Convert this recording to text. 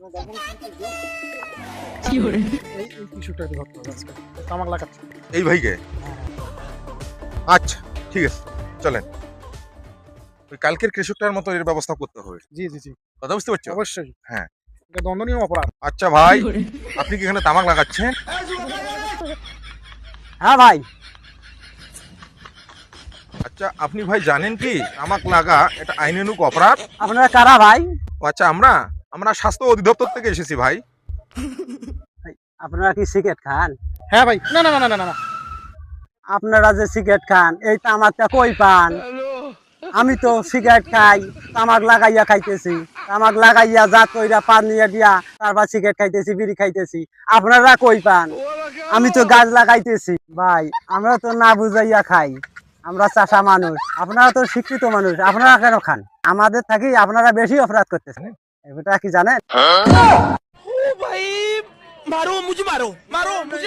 এই ভাইকে? আচ্ছা ঠিক আছে, চলেন। ওই কালকের কৃষকটার মতো এর ব্যবস্থা করতে হবে। জি জি জি, কথা বুঝতে পারছো? অবশ্যই। হ্যাঁ। এটা দণ্ডনীয় অপরাধ। আচ্ছা ভাই, আপনি কি এখানে তামাক লাগাচ্ছেন? হ্যাঁ ভাই। আচ্ছা আপনি ভাই জানেন কি তামাক লাগা এটা আইনানুগ অপরাধ? আপনারা কারা ভাই? ও আচ্ছা, আমরা আমরা স্বাস্থ্য অধিদপ্তর থেকে এসেছি ভাই। আপনারা কি সিগারেট খান? হ্যাঁ ভাই, না না না না না না, আপনারা যে সিগারেট খান এই তামাকটা কই পান? আমি তো সিগারেট খাই, তামাক লাগাইয়া খাইতেছি, তামাক লাগাইয়া জাত কইরা পান নিয়ে দিয়া তারপর সিগারেট খাইতেছি, বিড়ি খাইতেছি। আপনারা কই পান? আমি তো গাছ লাগাইতেছি। ভাই আমরা তো না বুঝাইয়া খাই, আমরা চাষা মানুষ, আপনারা তো শিক্ষিত মানুষ, আপনারা কেন খান? আমাদের থাকি আপনারা বেশি অপরাধ করতেছেন, এটা কি জানেন? भाई मारो मुझे, मारो मारो मुझे।